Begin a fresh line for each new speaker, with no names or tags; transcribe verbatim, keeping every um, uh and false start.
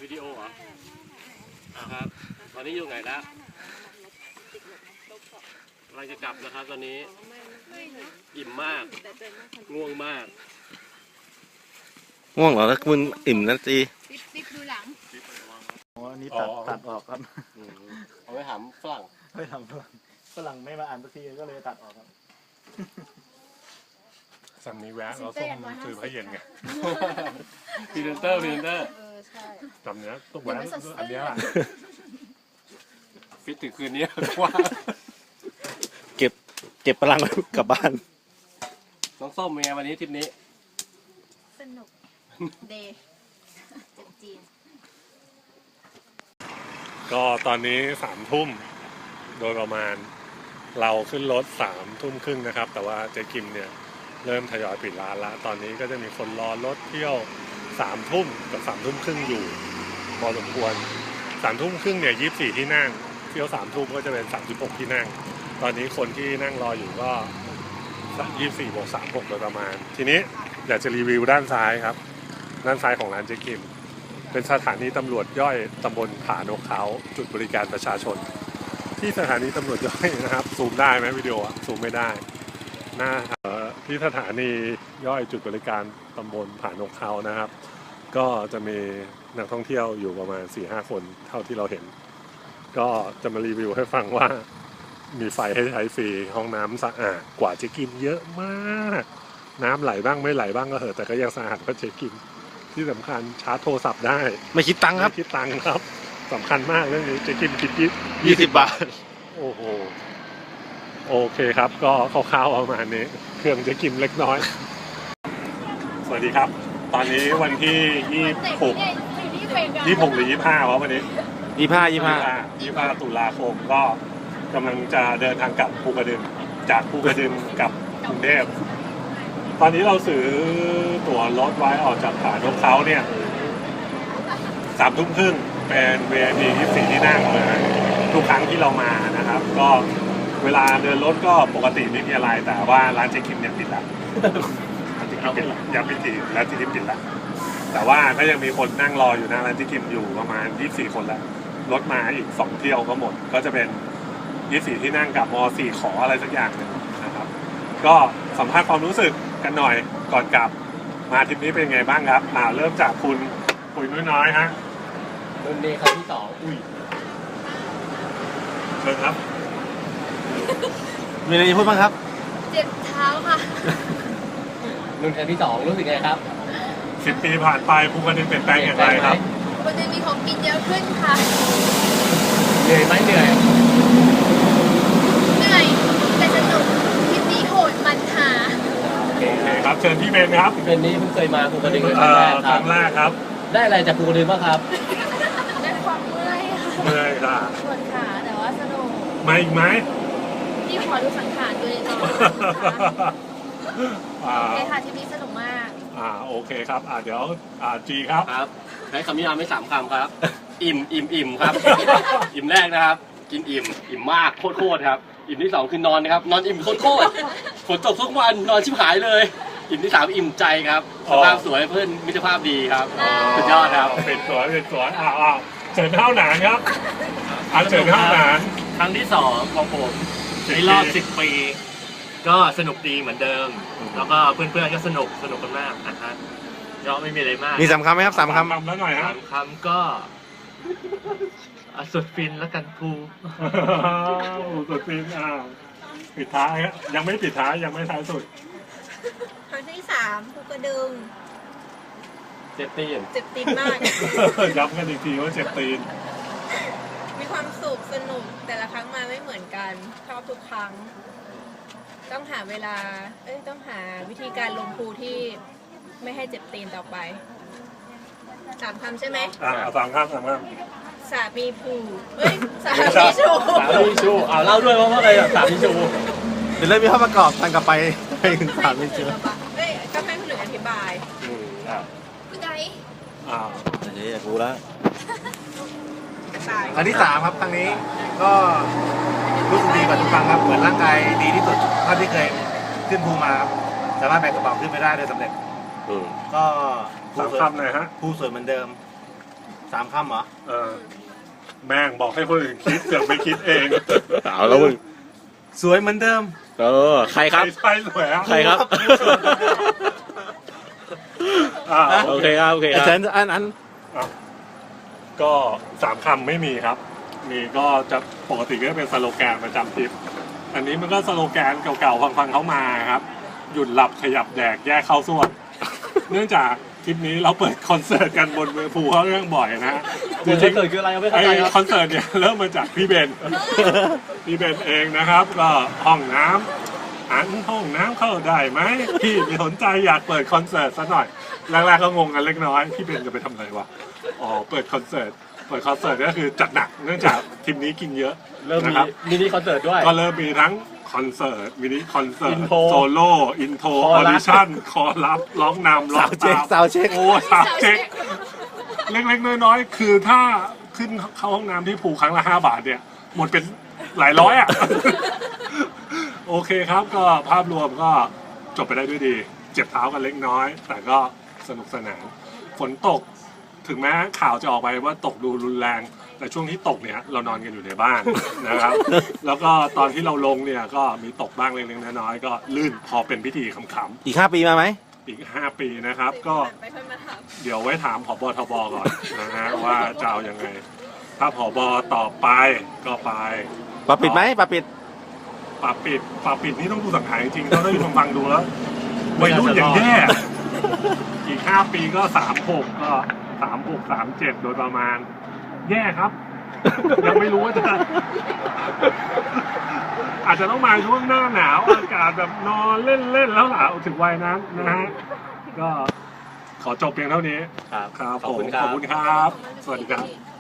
วิดีโอเหรอครับตอนนี้อยู่ไหนแล้วเราจะกลับนะครับตอนนี้อิ่มมากง่วงมาก
ง่วงเหรอแล้วมึงอิ่มนะจี
ติ๊บดูหลัง
อ๋ออันนี้ตัดตัดออกครับ
เอาไปถามฝรั่ง
ไม่ทำฝรั่งฝรั่งไม่มาอ่านสักทีก็เลยตัดออกครับ
สั่งนี้แวะเราส้มถือพระเย็นไง
พรีเซนเตอร์พรีเซนเตอร์
จำเนี้ยต้องแวะอันเนี้ย
ฟิตถึงคืนนี้ว่า
เก็บเก็บพลังกลับบ้าน
น้องส้มเป็นไงวันนี้ทริปนี้
สนุกเดย์จีน
ก็ตอนนี้สามทุ่มโดยประมาณเราขึ้นรถสามทุ่มครึ่งนะครับแต่ว่าเจ๊กิมเนี่ยเริ่มทยอยปิดร้านแล้วตอนนี้ก็จะมีคนรอรถเที่ยวสามทุ่มกับสามทุ่มครึ่งอยู่พอสมควรสามทุ่มครึ่งเนี่ยยี่สิบสี่ที่นั่งเที่ยวสามทุ่มก็จะเป็นสามสิบหกที่นั่งตอนนี้คนที่นั่งรออยู่ก็ยี่สิบสี่บวกสามหกโดยประมาณทีนี้อยากจะรีวิวด้านซ้ายครับด้านซ้ายของร้านเจ๊กิมเป็นสถานีตำรวจย่อยตำบลผานกเขาจุดบริการประชาชนที่สถานีตำรวจย่อยนะครับซูมได้ไหมวิดีโออะซูมไม่ได้หน้าที่สถานีย่อยจุดบริการตำบลผานกเขานะครับก็จะมีนักท่องเที่ยวอยู่ประมาณ สี่ห้า คนเท่าที่เราเห็นก็จะมารีวิวให้ฟังว่ามีไฟให้ใช้ฟรีห้องน้ำสะอาดกว่าเจ๊กิมเยอะมากน้ำไหลบ้างไม่ไหลบ้างก็เหอะแต่ก็ยังสะอาดกว่าเจ๊กิมที่สำคัญชาร์จโทรศัพท์ได้
ไม่คิดตังค์ครับ
ไม่คิดตังค์ครับสำคัญมากเรื่องนี้เจ๊กิมคิด
ยี่สิบบาท
โอ้โหโอเคครับก็คร่าวๆประมาณนี้เครื่องเจ๊กิมเล็กน้อยสวัสดีครับตอนนี้วันที่ยี่สิบหกยี่สิบหกหรือยี่สิบห้าวะวันนี้
ยี่สิบห้ายี่สิบห้า
ยี่สิบห้าตุลาคมก็กำลังจะเดินทางกลับภูกระดึงจากภูกระดึงกลับกรุงเทพตอนนี้เราซื้อตั๋วรถไว้ออกจากผานกเขาเนี่ยสามทุ่มครึ่งเป็น วี ไอ พี ยี่สิบสี่ที่นั่งเลยทุกครั้งที่เรามานะครับก็เวลาเดินรถก็ปกติไม่มีอะไรแต่ว่าร้านเจ๊กิมเนี่ยปิดแล้วเอาปิดแล้วยังปิดทีแล้วที่นี่ปิดแล้วแต่ว่าก็ยังมีคนนั่งรออยู่หน้าร้านเจ๊กิมอยู่ประมาณยี่สิบสี่คนแล้วรถมาอีกสองเที่ยวก็หมดก็จะเป็นยี่สิบสี่ที่นั่งกับมอสี่ขออะไรสักอย่างหนึ่งนะครับก็สัมภาษณ์ความรู้สึกกันหน่อยก่อนกลับมาทริปนี้เป็นไงบ้างครับมาเริ่มจากคุณคุยน้อยๆฮะ
รุ่นนี้ครั้งที่สอง
อุ้ยเชิญครับ
มีอะไรจะพูดบ้างครับ
เจ็บเท้าค่ะ
รุ่นครั้งที่สองรู้สึกไงครับ
สิบปีผ่านไปภูกระดึงเปลี่ยนแปลงอย่างไรครับ
ภูกระดึงมีของกินเยอะขึ้นค่ะ
เหนื่อยไหมเหนื่อย
เหนื่อยแต่สนุกทริปนี้โหดมันหา
โอเคครับเชิญพี่เบนครับ
พี่เบนนี้เพิ่งเคยมาภูกระดึง
ครั้งแรกครับ
ได้อะไรจากภูกระดึงบ้างครับ
ได้ความเมื่อยค่ะ
เมื่อยค่ะ
ปวดขาแต่ว่าสนุก
มาอีกไหม
พี่ขอดูสังขารดูเลยก่อนโอเคค่ะทริปนี้สนุกมาก
อ่าโอเคครับอ่าเดี๋ยวอ่าจีครับ
ครับใช้คำนิยามไม่สามคำครับอิ่มอิ่มอิ่มครับอิ่มแรกนะครับกินอิ่มอิ่มมากโคตรโคตรครับอิ่มที่สองคือนอนนะครับนอนอิ่มโคตรโคตรฝนตกทุกวันนอนชิบหายเลยอิ่มที่สามอิ่มใจครับสภาพสวยเพื่อนมิตรภาพดีครับสุดยอดครับ
เป็นสวยเป็นสวยอ่าอ่าเชิญเท่าหนานครับอ่าเชิญเท่าหนาน
ครั้งที่สองของผมในรอบสิบปีก็สนุกดีเหมือนเดิมแล้วก็เพื่อนๆก็สนุกสนุกกันมากนะฮะก็ไม่มีอะไรมาก
มีสามคำไหมครับสามคำ
แล้วหน่อยฮะ
สามคำก็สุดฟินแล้วกันภู
สุดฟินอ่าปิดท้ายยังไม่ปิดท้ายยังไม่ท้ายสุด
ครั้งที่สามภูกระดึง
เจ็บตีน
เจ็บตีนมาก
ย้ำกันอีกทีว่าเจ็บตีน
มีความสุขสนุกแต่ละครั้งมาไม่เหมือนกันชอบทุกครั้งต้องหาเวลาเอ้ยต้องหาวิธีการลงภูที่ไม่ให้เจ็บตีนต่อไปสามคำใช่ไหม
อ่าสามคำสามค
ำสามีภูเฮ้ยสามีชู
สามีชูอ่าเล่าด้วยว่าอะไรสามีชู
เดี๋ยวเริ่มมีภาพประกอบทางกลับไปไปถึงสามีชู
เอ้ยก็ให้คนอื่นอธิบาย
อืมอ่า
พี่ไก่
อ่า
เดี๋ยวอยากรู้แล้ว
ครั้งที่สามครับครั้งนี้ก็รู้สึกดีกว่าทุกครั้งครับเหมือนร่างกายดีที่สุดเท่าที่เคยขึ้นภูมาครับสามารถแบกกระเป๋าขึ้นไปได้โดยสำเร็จก็
สามคำหน่อยฮะ
ภูสวยเหมือนเดิมสามคำเหรอ
เออแม่งบอกให้คนอื่นคิดเสือกไปคิดเอง
เอาแล้วมึง
สวยเหมือนเดิม
เออใครครับ
ใช่สวยอ่ะ
ใครครับ
อ่า
โอเคครับโอเคครับอันอันอัน
อ่ะก็สามคำไม่มีครับ มีก็จะปกติก็จะเป็นสโลแกนประจำทริปอันนี้มันก็สโลแกนเก่าๆฟังๆเขามาครับ หยุดหลับขยับแดกแยกเข้าส่วน เนื่องจากทริปนี้เราเปิดคอนเสิร์ตกันบนภูเขาเรื่องบ่อยนะฮะ
คอนเสิร์ตคืออะไรไม่เข้า
ไอ
ใจครับ
คอนเสิร์ตเนี่ยเริ่มมาจากพี่เบน พี่เบนเองนะครับ ก็ห้องน้ำอันห้องน้ำเข้าได้ไหมพี่ไม่สนใจอยากเปิดคอนเสิร์ตซะหน่อยแรกๆก็งงกันเล็กน้อยพี่เบนจะไปทำอะไรวะอ๋อเปิดคอนเสิร์ตเปิดคอนเสิร์ตก็คือจัดหนักเนื่องจากทีมนี้กินเยอะ
เริ่มมี
นะครับ
มินิคอนเสิร์ตด้วย
ก็เริ่มมีทั้งคอนเสิร์ตมินิคอนเสิร์ต
อินโทร
โซโล่อินโทร
ค
อ
อ
อ
รัส
ดิชั่นคอรับร้องนำร้อ
สาง วเช็ค
ตาม
สาวเช็ค
โอ้สาวเช็ค เล็กๆน้อยๆคือถ้าขึ้นเข้าห้องน้ำที่ภูครั้งละห้าบาทเนี่ย หมดเป็นหลายร้อยอ่ะ โอเคครับก็ภาพรวมก็จบไปได้ด้วยดี เจ็บเท้ากันเล็กน้อย แต่ก็สนุกสนานฝนตกถึงแม้ข่าวจะออกไปว่าตกดูรุนแรง แต่ช่วงที่ตกเนี่ยเรานอนกันอยู่ในบ้าน นะครับ แล้วก็ตอนที่เราลงเนี่ยก็มีตกบ้างเล็กๆน้อยๆก็ลื่นพอเป็นพิธีขำๆ
อีกห้าปีมาไหม
อีกห้าปีนะครับ ก็
ไปค่อยมาถาม
เดี๋ยวไว้ถามผบทบก่อนนะฮะว่าจะเอายังไง ถ้าผบตอบไปก็ไป
ปรับปิดไหมปรับปิด
ปรับปิดปรับปิดนี่ต้องดูสังหารจริงๆถ้าได้ฟังดูแล้ววัยรุ่นอย่างแย่อีกห้าปีก็สามหกก็สามหกสามเจ็ดโดยประมาณ แย่ครับ ยังไม่รู้ว่าจะ อาจจะต้องมาช่วงหน้าหนาวอากาศแบบนอนเล่นๆแล้วล่ะถึงวัยนั้นนะฮะก็ขอจบเพียงเท่านี้
ครับ
ครับ
ขอบ
ผม
คุณครับ
ขอบคุณครับ สวัสดีครับ